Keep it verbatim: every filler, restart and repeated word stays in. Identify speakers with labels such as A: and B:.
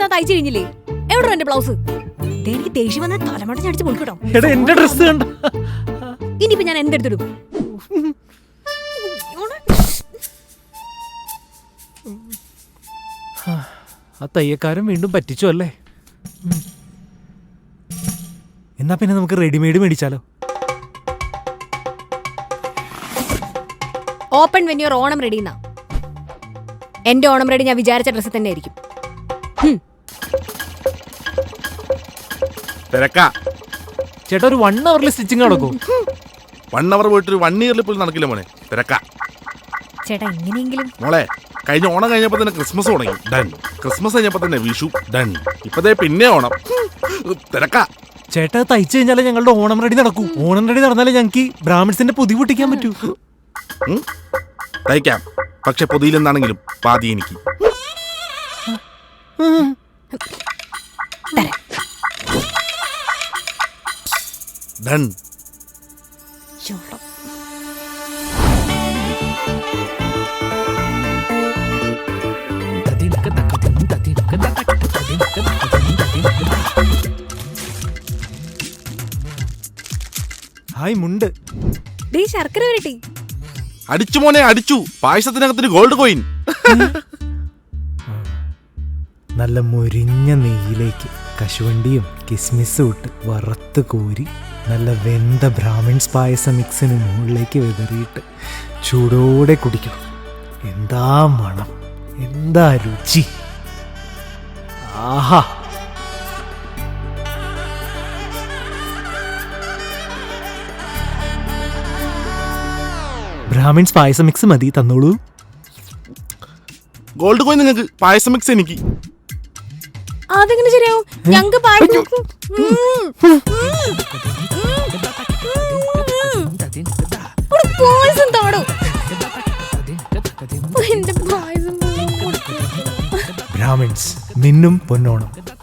A: എന്താ തയ്ച്ചു കഴിഞ്ഞില്ലേ? എവിടെ എന്റെ ബ്ലൗസ്? എനിക്ക് ദേഷ്യം വന്ന തലമുട്ട ചടിച്ച് പൊളിക്കട്ടോ. ഇനിയിപ്പോ ഞാൻ എന്തെടുത്തിടും?
B: ആ തയ്യക്കാരൻ വീണ്ടും പറ്റിച്ചു അല്ലേ? എന്നാ പിന്നെ നമുക്ക് റെഡിമെയ്ഡ് മേടിച്ചാലോ?
A: Open when your Onam ready എന്നാ. എന്റെ ഓണം റെഡി ഞാൻ വിചാരിച്ച ഡ്രസ്സ് തന്നെ ആയിരിക്കും.
B: ചേട്ടാ ഒരു വൺ അവറിൽ സ്റ്റിച്ചിങ് നടക്കും.
C: വൺ അവർ പോയിട്ട് വൺ ഇയറിൽ പോലും നടക്കില്ല മോനെ. തിരക്കാ
A: ചേട്ടാ. എങ്ങനെയെങ്കിലും
C: മോളെ, കഴിഞ്ഞ ഓണം കഴിഞ്ഞപ്പോ തന്നെ ക്രിസ്മസ് തുടങ്ങി. ഡൺ. ക്രിസ്മസ് കഴിഞ്ഞപ്പോ തന്നെ വിഷു. ഡൺ. ഇപ്പതേ പിന്നെ ഓണം. തിരക്കാ.
B: ചേട്ടാ തയ്ച്ചു കഴിഞ്ഞാലേ ഞങ്ങളുടെ ഓണം റെഡി നടക്കൂ. ഓണം റെഡി നടന്നാലേ ഞങ്ങൾക്ക് ബ്രാഹ്മിൺസിന്റെ പൊതി പൊട്ടിക്കാൻ പറ്റൂ.
C: തയ്ക്കാം, പക്ഷെ പൊതിയിലെന്നാണെങ്കിലും പാതി എനിക്ക്. ഡൺ.
B: ഹായ് മുണ്ട്.
A: ശർക്കര വരട്ടി
C: അടിച്ചു മോനെ, അടിച്ചു. പായസത്തിനകത്തിന് ഗോൾഡ് കോയിൻ.
B: നല്ല മുരിഞ്ഞ നെയ്യിലേക്ക് കശുവണ്ടിയും കിസ്മിസും ഇട്ട് വറുത്ത് കോരി നല്ല വെന്ത ബ്രാഹ്മിൺസ് പായസ മിക്സിന് മുകളിലേക്ക് വിതറിയിട്ട് ചൂടോടെ കുടിക്കണം. എന്താ മണം, എന്താ രുചി! ആഹാ! ബ്രാഹ്മിൺസ് പായസ മിക്സ് മതി, തന്നോളൂ.
C: ഗോൾഡ് കോയിൻ നിങ്ങൾക്ക്, പായസ മിക്സ് എനിക്ക്.
A: അതെങ്ങനെ ശരിയാവും? ഞങ്ങൾക്ക് പായസം താടോ.
B: ബ്രാഹ്മിൺസ് മിന്നും പൊന്നോണം.